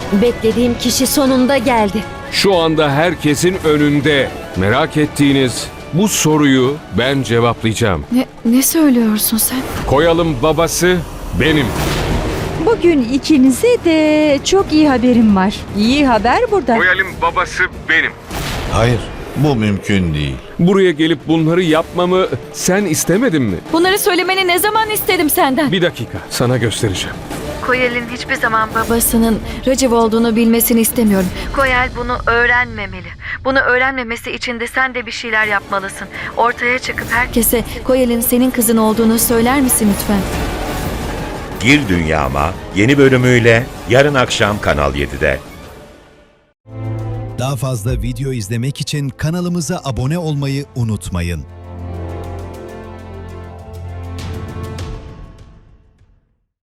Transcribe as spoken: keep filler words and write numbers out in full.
Beklediğim kişi sonunda geldi. Şu anda herkesin önünde. Merak ettiğiniz bu soruyu ben cevaplayacağım. Ne, ne söylüyorsun sen? Koyalım babası benim. Bugün ikinize de çok iyi haberim var. İyi haber burada. Koyalım babası benim. Hayır, bu mümkün değil. Buraya gelip bunları yapmamı sen istemedin mi? Bunları söylemeni ne zaman istedim senden? Bir dakika, sana göstereceğim. Koyal'in hiçbir zaman baba. Babasının Raciv olduğunu bilmesini istemiyorum. Koyal bunu öğrenmemeli. Bunu öğrenmemesi için de sen de bir şeyler yapmalısın. Ortaya çıkıp her Herkese Koyal'in senin kızın olduğunu söyler misin lütfen? Gir Dünyama yeni bölümüyle yarın akşam Kanal yedide. Daha fazla video izlemek için kanalımıza abone olmayı unutmayın.